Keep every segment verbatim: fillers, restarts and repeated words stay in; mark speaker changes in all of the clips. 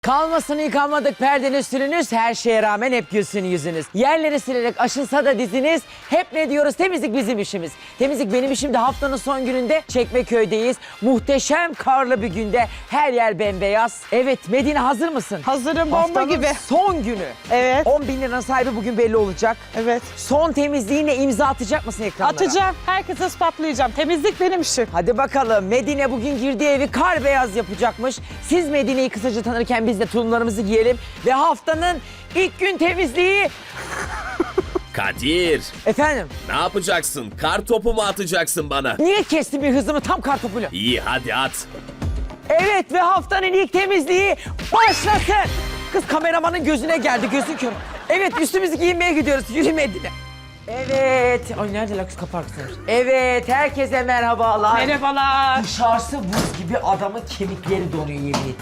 Speaker 1: Kalmasın yıkanmadık perdeniz sürünüz, her şeye rağmen hep gülsün yüzünüz. Yerleri silerek aşınsa da diziniz, hep ne diyoruz? Temizlik bizim işimiz. Temizlik benim işim de haftanın son gününde Çekmeköy'deyiz. Muhteşem karlı bir günde her yer bembeyaz. Evet Medine, hazır mısın?
Speaker 2: Hazırım, bomba
Speaker 1: Haftanın
Speaker 2: gibi.
Speaker 1: son günü.
Speaker 2: Evet.
Speaker 1: on bin liranın sahibi bugün belli olacak.
Speaker 2: Evet.
Speaker 1: Son temizliğine imza atacak mısın ekranlara?
Speaker 2: Atacağım. Herkese ispatlayacağım. Temizlik benim işim.
Speaker 1: Hadi bakalım, Medine bugün girdiği evi kar beyaz yapacakmış. Siz Medine'yi kısaca tanırken biz de tulumlarımızı giyelim. Ve haftanın ilk gün temizliği...
Speaker 3: Kadir,
Speaker 1: Efendim,
Speaker 3: ne yapacaksın? Kar topu mu atacaksın bana?
Speaker 1: niye kestin bir hızımı tam kar topuyla?
Speaker 3: İyi, hadi at.
Speaker 1: Evet ve haftanın ilk temizliği başlasın. Kız kameramanın gözüne geldi, gözün kör. Evet, üstümüzü giyinmeye gidiyoruz, yürü Medine. Evet, ay nerede la kız, kapar kızlar. Evet, herkese merhabalar.
Speaker 2: Merhabalar.
Speaker 1: Dışarısı buz gibi, adamın kemikleri donuyor yemin ederim.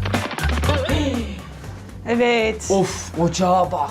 Speaker 2: Evet.
Speaker 1: Of, ocağa bak.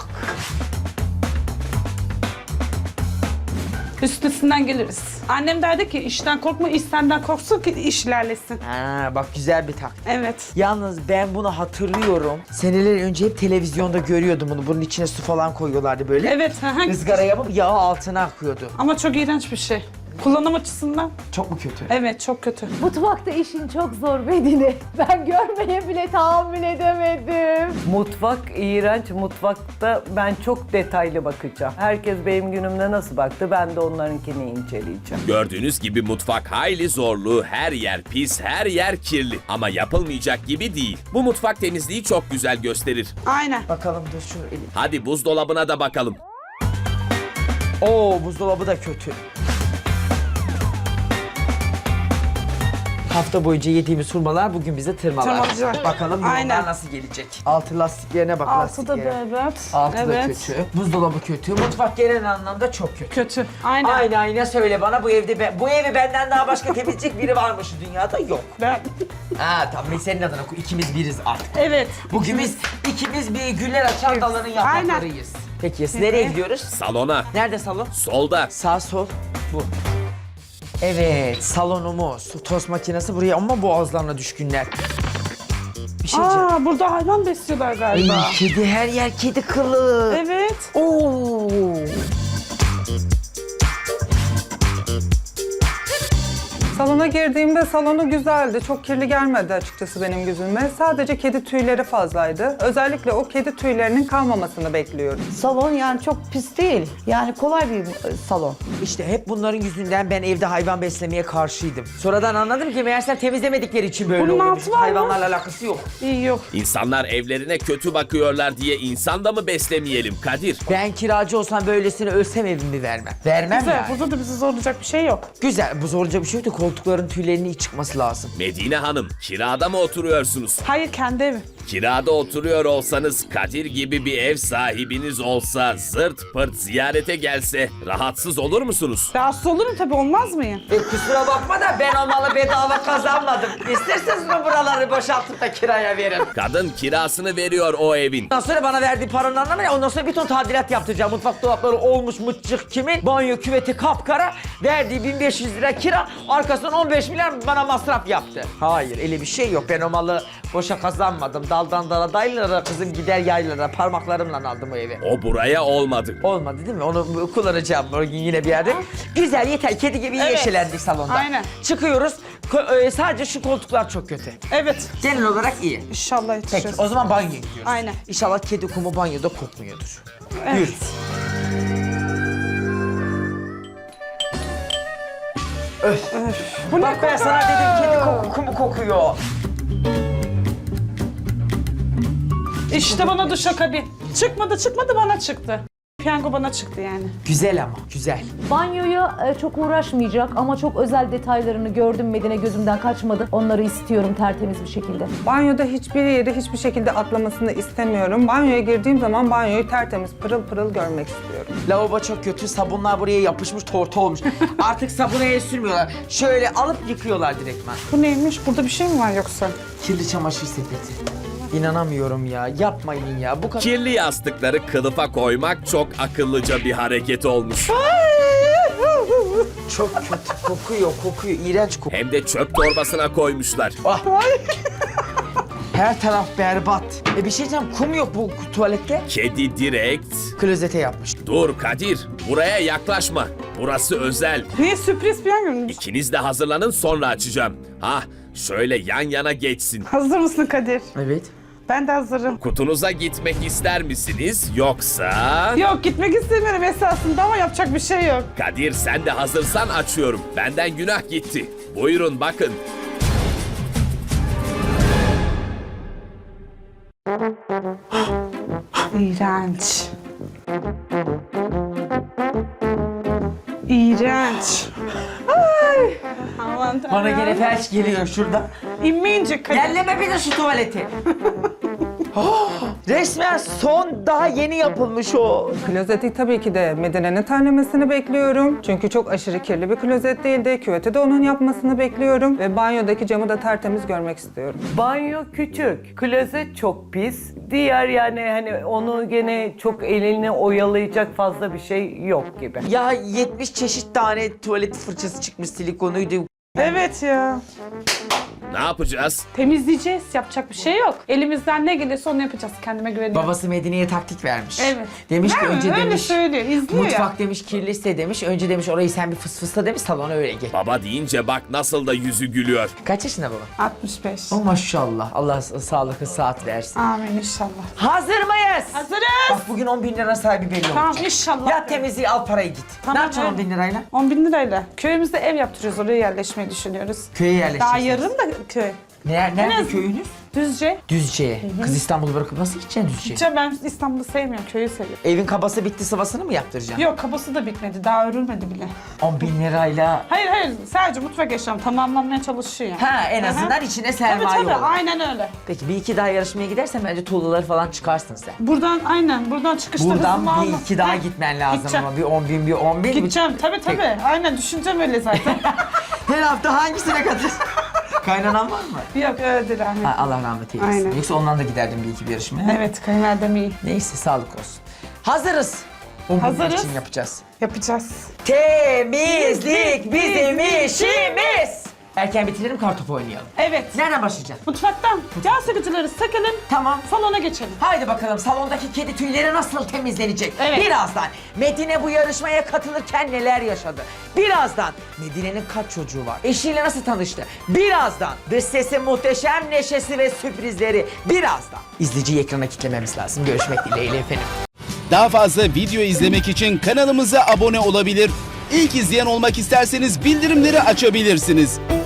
Speaker 2: Üstesinden geliriz. Annem derdi ki işten korkma, iş senden korksun ki iş ilerlesin.
Speaker 1: Ha, bak güzel bir taktik.
Speaker 2: Evet.
Speaker 1: Yalnız ben bunu hatırlıyorum. Seneler önce hep televizyonda görüyordum bunu. Bunun içine su falan koyuyorlardı böyle.
Speaker 2: Evet. Hı hı.
Speaker 1: Izgara yapıp yağı altına akıyordu.
Speaker 2: Ama çok iğrenç bir şey. Kullanım açısından.
Speaker 1: Çok mu kötü?
Speaker 2: Evet, çok kötü.
Speaker 4: Mutfakta işin çok zor Medine. Ben görmeye bile tahammül edemedim.
Speaker 5: Mutfak iğrenç. Mutfakta ben çok detaylı bakacağım. Herkes benim günümde nasıl baktı, ben de onlarınkini inceleyeceğim.
Speaker 3: Gördüğünüz gibi mutfak hayli zorlu, her yer pis, her yer kirli. Ama yapılmayacak gibi değil. Bu mutfak temizliği çok güzel gösterir.
Speaker 2: Aynen.
Speaker 1: Bakalım dur şunu elim.
Speaker 3: Hadi buzdolabına da bakalım.
Speaker 1: Oo, buzdolabı da kötü. Hafta boyunca yediğimiz hurmalar bugün bize tırmalar.
Speaker 2: Tırmalayacak.
Speaker 1: Bakalım
Speaker 2: Aynen.
Speaker 1: yorumlar nasıl gelecek. Altı lastiklerine bak,
Speaker 2: Altı da
Speaker 1: lastiklere.
Speaker 2: berbat.
Speaker 1: Altı
Speaker 2: evet.
Speaker 1: da kötü. Buzdolabı kötü. Mutfak genel anlamda çok kötü.
Speaker 2: Kötü. Aynen.
Speaker 1: Aynen aynen söyle bana, bu evde ben, bu evi benden daha başka temizleyecek biri varmış dünyada, yok.
Speaker 2: Ben...
Speaker 1: Ha tamam, biz senin adına ikimiz biriz artık.
Speaker 2: Evet.
Speaker 1: Bugün biz ikimiz bir güller açan dalların yapraklarıyız. Peki siz nereye gidiyoruz?
Speaker 3: Salona.
Speaker 1: Nerede salon?
Speaker 3: Solda.
Speaker 1: Sağ sol bu. Evet, salonumuz. Tost makinesi buraya, ama boğazlarına düşkünler. Bir şey diyeceğim.
Speaker 2: Aa, burada hayvan besliyorlar galiba.
Speaker 1: Ay, kedi, her yer kedi kılı.
Speaker 2: Evet.
Speaker 1: Oo.
Speaker 6: Salona girdiğimde salonu güzeldi. Çok kirli gelmedi açıkçası benim gözüme. Sadece kedi tüyleri fazlaydı. Özellikle o kedi tüylerinin kalmamasını bekliyorum.
Speaker 7: Salon yani çok pis değil. Yani kolay bir e, salon.
Speaker 1: İşte hep bunların yüzünden ben evde hayvan beslemeye karşıydım. Sonradan anladım ki meğersem temizlemedikleri için böyle
Speaker 2: Bunun
Speaker 1: oluyormuş.
Speaker 2: altı var mı?
Speaker 1: Hayvanlarla alakası yok.
Speaker 2: İyi yok.
Speaker 3: İnsanlar evlerine kötü bakıyorlar diye insan da mı beslemeyelim Kadir?
Speaker 1: Ben kiracı olsam böylesine ölsem evimi vermem. Vermem
Speaker 2: Güzel.
Speaker 1: yani.
Speaker 2: Burada da bizi zorlayacak bir şey yok.
Speaker 1: Güzel, bu zorca bir şey yok da koltukların tüylerinin iyi çıkması lazım.
Speaker 3: Medine Hanım, kirada mı oturuyorsunuz?
Speaker 2: Hayır, kendi evim.
Speaker 3: Kirada oturuyor olsanız, Kadir gibi bir ev sahibiniz olsa, zırt pırt ziyarete gelse rahatsız olur musunuz?
Speaker 2: Rahatsız olurum tabii, olmaz mıyım?
Speaker 1: E, kusura bakma da ben o malı bedava kazanmadım. İsterseniz mi buraları boşaltıp da kiraya verin?
Speaker 3: Kadın kirasını veriyor o evin.
Speaker 1: Ondan sonra bana verdiği paranın anlamı ne? Ondan sonra bir ton tadilat yaptıracağım. Mutfak dolapları olmuş mıçcık kimin? Banyo küveti kapkara. Verdiği bin beş yüz lira kira. Arkasından on beş milyar bana masraf yaptı. Hayır, öyle bir şey yok. Ben o malı boşa kazanmadım. Daldan dala dayılara, kızım gider yaylara. Parmaklarımla aldım o evi.
Speaker 3: O buraya olmadı.
Speaker 1: Olmadı değil mi? Onu kullanacağım bugün yine bir yerde. Güzel, yeter. Kedi gibi
Speaker 2: Evet.
Speaker 1: yeşelendik salonda.
Speaker 2: Aynen.
Speaker 1: Çıkıyoruz. Ko- e, sadece şu koltuklar çok kötü.
Speaker 2: Evet.
Speaker 1: Genel olarak iyi.
Speaker 2: İnşallah
Speaker 1: Peki,
Speaker 2: yetişeceğiz.
Speaker 1: o zaman banyoya gidiyoruz.
Speaker 2: Aynen.
Speaker 1: İnşallah kedi kumu banyoda kokmuyordur.
Speaker 2: Evet.
Speaker 1: Yürü.
Speaker 2: Bu ne
Speaker 1: Bak ben
Speaker 2: koku?
Speaker 1: sana dedim, kedi koku kumu kokuyor.
Speaker 2: İşte bana duşakabin. Çıkmadı çıkmadı bana çıktı. Piyango bana çıktı yani.
Speaker 1: Güzel ama, güzel.
Speaker 4: Banyoya e, çok uğraşmayacak ama çok özel detaylarını gördüm Medine, gözümden kaçmadı. Onları istiyorum tertemiz bir şekilde.
Speaker 6: Banyoda hiçbir yeri hiçbir şekilde atlamasını istemiyorum. Banyoya girdiğim zaman banyoyu tertemiz, pırıl pırıl görmek istiyorum.
Speaker 1: Lavabo çok kötü, sabunlar buraya yapışmış, tortu olmuş. Artık sabuna el sürmüyorlar. Şöyle alıp yıkıyorlar direktmen.
Speaker 2: Bu neymiş? Burada bir şey mi var yoksa?
Speaker 1: Kirli çamaşır sepeti. İnanamıyorum ya, yapmayın ya. Bu kadar...
Speaker 3: Kirli yastıkları kılıfa koymak çok akıllıca bir hareket olmuş.
Speaker 1: Çok kötü, kokuyor, kokuyor, iğrenç kokuyor.
Speaker 3: Hem de çöp torbasına koymuşlar.
Speaker 1: Ah. Her taraf berbat. E bir şey diyeceğim, kum yok bu tuvalette.
Speaker 3: Kedi direkt...
Speaker 1: Klozete yapmış.
Speaker 3: Dur Kadir, buraya yaklaşma. Burası özel.
Speaker 2: Niye sürpriz piyango mu?
Speaker 3: İkiniz de hazırlanın, sonra açacağım. Hah, şöyle yan yana geçsin.
Speaker 2: Hazır mısın Kadir?
Speaker 1: Evet.
Speaker 2: Ben de hazırım.
Speaker 3: Kutunuza gitmek ister misiniz yoksa...
Speaker 2: Yok gitmek istemiyorum esasında ama yapacak bir şey yok.
Speaker 3: Kadir sen de hazırsan açıyorum. Benden günah gitti. Buyurun bakın.
Speaker 2: İğrenç. İğrenç. Ay. Aman tanrım.
Speaker 1: Bana gene felç geliyor şurada.
Speaker 2: İnmeyince Kadir.
Speaker 1: Yerleme bir de şu tuvaleti. Oh, resmen son daha yeni yapılmış o.
Speaker 6: Klozeti tabii ki de Medine'nin terlemesini bekliyorum. Çünkü çok aşırı kirli bir klozet değildi. Küveti de onun yapmasını bekliyorum. Ve banyodaki camı da tertemiz görmek istiyorum.
Speaker 5: Banyo küçük, klozet çok pis. Diğer yani hani onu gene çok elini oyalayacak fazla bir şey yok gibi.
Speaker 1: Ya yetmiş çeşit tane tuvalet fırçası çıkmış, silikonuydu.
Speaker 2: Evet ya.
Speaker 3: Ne yapacağız?
Speaker 2: Temizleyeceğiz. Yapacak bir şey yok. Elimizden ne gelirse onu yapacağız. Kendime güveniyorum.
Speaker 1: Babası Medine'ye taktik vermiş.
Speaker 2: Evet.
Speaker 1: Demiş ki
Speaker 2: Değil mi?
Speaker 1: önce
Speaker 2: Öyle
Speaker 1: demiş
Speaker 2: söylüyor, izliyor
Speaker 1: mutfak
Speaker 2: ya.
Speaker 1: demiş kirliyse demiş. Önce demiş orayı sen bir fıs fısla demiş, salona öyle geç.
Speaker 3: Baba deyince bak nasıl da yüzü gülüyor.
Speaker 1: Kaç yaşında baba?
Speaker 2: altmış beş.
Speaker 1: Oh maşallah. Allah sağlıklı saat versin.
Speaker 2: Amin inşallah.
Speaker 1: Hazır mıyız?
Speaker 2: Hazırız.
Speaker 1: Bak bugün on bin lira sahibi belli
Speaker 2: Tamam
Speaker 1: olacak.
Speaker 2: inşallah.
Speaker 1: Ya temizliği al parayı git.
Speaker 2: Tamam,
Speaker 1: ne yapacaksın
Speaker 2: öyle.
Speaker 1: on bin lirayla?
Speaker 2: on bin lirayla. Köyümüzde ev yaptırıyoruz. Oraya yerleşmeyi düşünüyoruz.
Speaker 1: Köye yerleşeceksiniz.
Speaker 2: Daha yarın da köy.
Speaker 1: Ne, nerede
Speaker 2: az-
Speaker 1: köyünüz?
Speaker 2: Düzce.
Speaker 1: Düzce'ye. Kız İstanbul'u bırakıp nasıl gideceksin Düzce'ye?
Speaker 2: Gideceğim, ben İstanbul'u sevmiyorum. Köyü seviyorum.
Speaker 1: Evin kabası bitti, sıvasını mı yaptıracaksın?
Speaker 2: Yok kabası da bitmedi. Daha örülmedi bile.
Speaker 1: on bin lirayla.
Speaker 2: Hayır hayır. Sadece mutfak eşyam tamamlanmaya çalışıyor yani.
Speaker 1: Ha, en
Speaker 2: Aha.
Speaker 1: azından içine
Speaker 2: Tabii
Speaker 1: sermaye
Speaker 2: tabii.
Speaker 1: olur.
Speaker 2: Aynen öyle.
Speaker 1: Peki bir iki daha yarışmaya gidersen bence tuğlaları falan çıkarsın sen.
Speaker 2: Buradan aynen. Buradan çıkışta
Speaker 1: Buradan
Speaker 2: hızımı
Speaker 1: bir
Speaker 2: aldım.
Speaker 1: iki daha
Speaker 2: Ha,
Speaker 1: gitmen lazım
Speaker 2: gideceğim.
Speaker 1: ama bir on bin bir on bin.
Speaker 2: Gideceğim. Tabii tabii. Aynen düşüneceğim öyle zaten.
Speaker 1: Her hafta hangisine katılıyorsun? Kaynanan var mı?
Speaker 2: Yok öyle rahmet.
Speaker 1: Ha, Allah rahmet eylesin.
Speaker 2: Aynen.
Speaker 1: Yoksa ondan da giderdim bir iki bir yarışmaya.
Speaker 2: Evet kayınvalidem iyi.
Speaker 1: Neyse sağlık olsun. Hazırız. on bin
Speaker 2: Hazırız.
Speaker 1: için yapacağız.
Speaker 2: Yapacağız.
Speaker 1: Temizlik bizim işimiz. Erken bitirelim, kartopu oynayalım.
Speaker 2: Evet.
Speaker 1: Nereden başlayacağız?
Speaker 2: Mutfaktan yağ sıkıcıları sökelim.
Speaker 1: Tamam.
Speaker 2: Salona geçelim.
Speaker 1: Haydi bakalım salondaki kedi tüyleri nasıl temizlenecek?
Speaker 2: Evet.
Speaker 1: Birazdan Medine bu yarışmaya katılırken neler yaşadı? Birazdan Medine'nin kaç çocuğu var? Eşiyle nasıl tanıştı? Birazdan dış sesi muhteşem neşesi ve sürprizleri. Birazdan. İzleyiciyi ekrana kitlememiz lazım. Görüşmek dileğiyle efendim.
Speaker 8: Daha fazla video izlemek için kanalımıza abone olabilir. İlk izleyen olmak isterseniz bildirimleri açabilirsiniz.